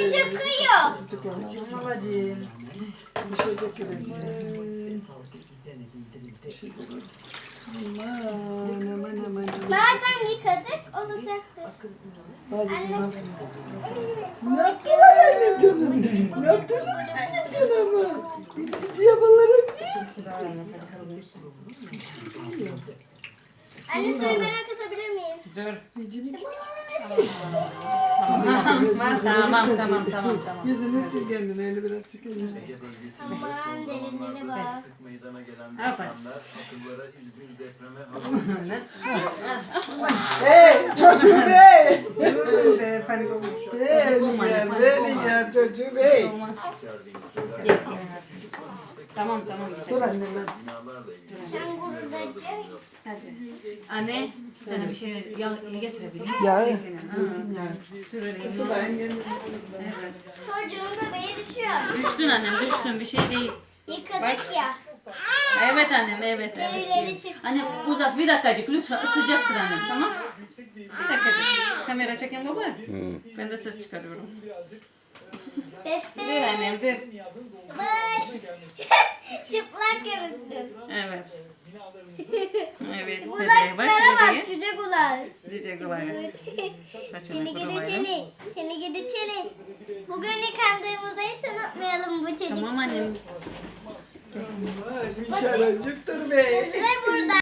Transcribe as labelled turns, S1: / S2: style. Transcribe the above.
S1: çıkıyor.
S2: Tamam babacığım.
S3: Düşecek göreceğim. Düşecek. Aman.
S1: Madem yıkadık olacaktır.
S3: Bazıcığım ne yaptılar annem canım? Ne yaptılar benim canımı? İkinci yabalara
S1: Anne suyu ben akıtabilir miyim?
S2: Dur.
S3: bici.
S2: Tamam.
S3: Yüzünü sil kendine öyle biraz çıkayım.
S4: Ege bölgesi
S1: Aman derinliğine bak.
S4: sık meydana gelen
S2: Evet.
S4: depremler akıllara İzmir depreme hazırlanıyor.
S3: Hey çocuğu bey!
S2: Be panik olmuş.
S3: Beni yer çocuğu bey!
S2: Olmaz.
S4: İçerdiğini söylerken
S2: Tamam.
S3: Dur annem ben.
S4: binalarla ilgili
S1: Sen buradacığım.
S2: Hadi. Anne sana bir şey getirebilir
S3: Ya.
S2: Zeytini. Ha. Sürelim.
S3: Sıla yengenin.
S2: Evet.
S1: Çocuğun bebeği düşüyor.
S2: Düşsün annem düşsün bir şey değil.
S1: Yıkadık ya.
S2: Evet annem evet.
S1: Derileri çıktı.
S2: Anne uzat bir dakikacık lütfen sıcaktır annem tamam. Bir dakikacık. Kamera çeken baba. Ben de ses çıkarıyorum. Ver
S1: Pepe.
S2: annem ver.
S1: Bak. Çıplak gömüklü.
S2: Evet. Evet bebeğe bak
S1: Kulaklara bak
S2: bebeğe.
S1: cüce kulak.
S2: Cici kulağı. Saçını
S1: Çeni gidi
S2: kurulayalım.
S1: çeni. Çeni gidi çeni. Bugün yıkandığımızı hiç unutmayalım bu çocuk.
S2: Tamam annem.
S3: Vay bir şarancıktır bey.
S1: Ve burada.